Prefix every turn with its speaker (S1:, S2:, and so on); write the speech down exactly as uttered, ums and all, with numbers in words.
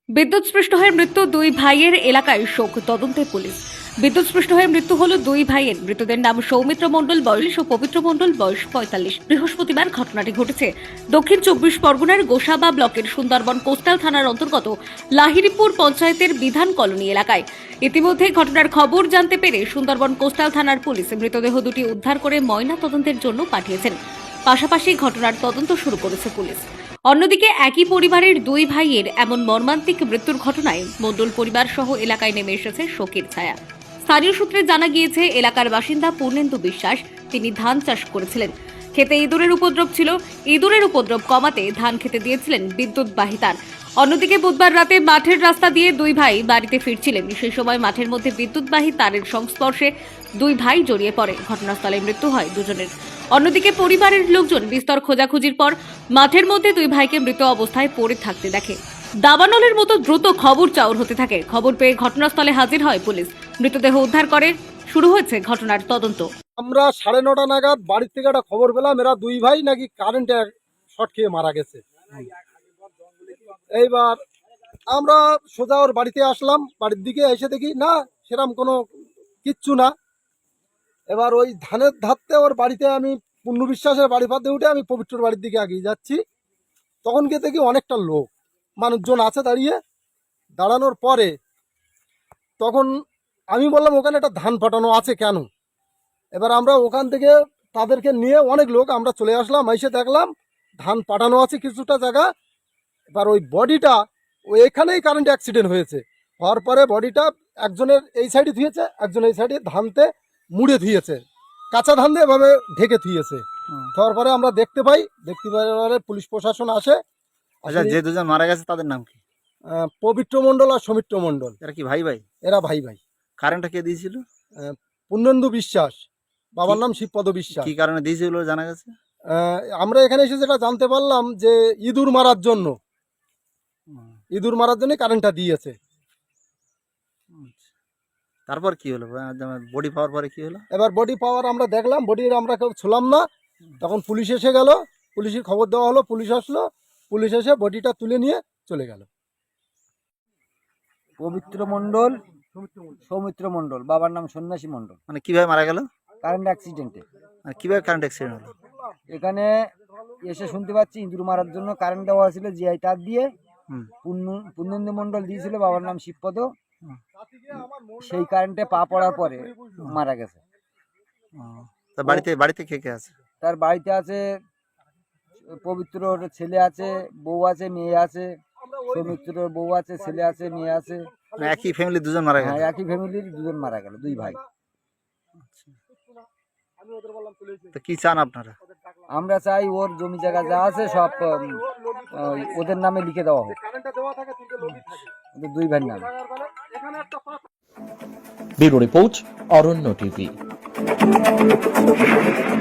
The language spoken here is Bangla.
S1: বিদ্যুৎস্পৃষ্ট হয়ে মৃত্যু দুই ভাইয়ের এলাকায় শোক, তদন্তে পুলিশ। বিদ্যুৎস্পৃষ্ট হয়ে মৃত্যু হল দুই ভাইয়ের। মৃতদের নাম সৌমিত্র মণ্ডল বয়স ও পবিত্র মণ্ডল বয়স পঁয়তাল্লিশ। বৃহস্পতিবার ঘটনাটি ঘটেছে দক্ষিণ চব্বিশ পরগনার গোসাবা ব্লকের সুন্দরবন কোস্টাল থানার অন্তর্গত লাহিড়িপুর পঞ্চায়েতের বিধান কলোনি এলাকায়। ইতিমধ্যে ঘটনার খবর জানতে পেরে সুন্দরবন কোস্টাল থানার পুলিশ মৃতদেহ দুটি উদ্ধার করে ময়না তদন্তের জন্য পাঠিয়েছেন। পাশাপাশি ঘটনার তদন্ত শুরু করেছে পুলিশ। অন্যদিকে একই পরিবারের দুই ভাইয়ের এমন মর্মান্তিক মৃত্যুর ঘটনায় মণ্ডল পরিবার সহ এলাকায় নেমে এসেছে শোকের ছায়া। স্থানীয় সূত্রে জানা গিয়েছে, এলাকার বাসিন্দা পূর্ণেন্দু বিশ্বাস তিনি ধান চাষ করেছিলেন। খেতে ইঁদুরের উপদ্রব ছিল। ইঁদুরের উপদ্রব কমাতে ধান খেতে দিয়েছিলেন বিদ্যুৎবাহী তার। অন্যদিকে বুধবার রাতে মাঠের রাস্তা দিয়ে দুই ভাই বাড়িতে ফিরছিলেন। সেই সময় মাঠের মধ্যে বিদ্যুৎবাহী তারের সংস্পর্শে দুই ভাই জড়িয়ে পড়ে। ঘটনাস্থলে মৃত্যু হয় দুজনের। অন্যদিকে পরিবারের লোকজন বিস্তর খোঁজাখুঁজির পর মাঠের মধ্যে দুই ভাইকে মৃত অবস্থায় পড়ে থাকতে দেখে। দাবানলের মতো দ্রুত খবর চাউর হতে থাকে। খবর পেয়ে ঘটনাস্থলে হাজির হয় পুলিশ। মৃতদেহ উদ্ধার করে শুরু হয়েছে ঘটনার তদন্ত।
S2: আমরা সাড়ে নটা নাগাদ বাড়ির থেকে একটা খবর পেলাম, এরা দুই ভাই নাকি কারেন্টে শর্ট খেয়ে মারা গেছে। এইবার আমরা সোজা ওর বাড়িতে আসলাম। বাড়ির দিকে এসে দেখি না, সেরকম কোনো কিচ্ছু না। এবার ওই ধানের ধারতে ওর বাড়িতে আমি পূর্ণ বিশ্বাসের বাড়ি পাতে উঠে আমি পবিত্রর বাড়ির দিকে এগিয়ে যাচ্ছি। তখন গিয়ে দেখি অনেকটা লোক মানুষজন আছে দাঁড়িয়ে। দাঁড়ানোর পরে তখন আমি বললাম, ওখানে একটা ধান ফাটানো আছে কেন? এবার আমরা ওখান থেকে তাদেরকে নিয়ে অনেক লোক আমরা চলে আসলাম। এসে দেখলাম ধান পাঠানো আছে কিছুটা জায়গা। এবার ওই বডিটা ওই এখানেই কারেন্ট অ্যাক্সিডেন্ট হয়েছে। হওয়ার পরে বডিটা একজনের এই সাইডে ধুয়েছে, একজন এই সাইডে ধানতে মুড়ে ধুয়েছে, কাঁচা ধান দিয়ে এভাবে ঢেকে ধুয়েছে। হওয়ার পরে আমরা দেখতে পাই, দেখতে পাই পুলিশ প্রশাসন আসে।
S3: আচ্ছা, যে দুজন মারা গেছে তাদের নাম কি?
S2: আহ, পবিত্র মণ্ডল আর সৌমিত্র মণ্ডল।
S3: এরা কি ভাই ভাই?
S2: এরা ভাই ভাই।
S3: কারেন্টটা কে দিয়েছিল?
S2: আহ, পূর্ণেন্দু বিশ্বাস, বাবার নাম শিবপদ বিশ্বাস।
S3: কি কারণে দিয়েছিল জানা গেছে?
S2: আহ, আমরা এখানে এসে যেটা জানতে পারলাম যে ইঁদুর মারার জন্য ইঁদুর মারার জন্য কারেন্টটা দিয়েছে।
S3: তারপর কি হলো? বডি পাওয়ার পরে কি হলো?
S2: এবার বডি পাওয়ার আমরা দেখলাম, বডির আমরা কেউ ছুলাম না। তখন পুলিশ এসে গেল, পুলিশের খবর দেওয়া হলো, পুলিশ আসলো, পুলিশ এসে বডিটা তুলে নিয়ে চলে গেল।
S4: পবিত্র মণ্ডল, সৌমিত্র মণ্ডল, বাবার নাম সন্ন্যাসী মণ্ডল।
S3: মানে কিভাবে মারা গেল?
S4: কারেন্ট অ্যাক্সিডেন্টে।
S3: মানে কিভাবে কারেন্ট অ্যাক্সিডেন্ট হলো?
S4: এখানে এসে শুনতে পাচ্ছি ইঁদুর মারার জন্য কারেন্ট দেওয়া হয়েছিল জিআই তার দিয়ে। পূর্ণেন্দু মণ্ডল দিয়েছিল, বাবার নাম শিবপদ। সেই কারেন্টে পা পড়ার পরে মারা গেছে।
S3: তার বাড়িতে বাড়িতে কে কে আছে?
S4: তার বাড়িতে আছে পবিত্রর ছেলে আছে, বউ আছে, মেয়ে আছে। সৌমিত্রর বউ আছে, ছেলে আছে, মেয়ে আছে।
S3: মানে একই ফ্যামিলির দুজন মারা গেছে?
S4: হ্যাঁ, একই ফ্যামিলির দুজন মারা গেল, দুই ভাই।
S3: তো কি চান আপনারা?
S4: আমরা চাই ওর জমি জায়গা যা আছে সব উম, ওদের নামে লিখে দেওয়া হোক, ওদের দুই ভাইয়ের নামে।
S5: Bureau report, Aranya TV.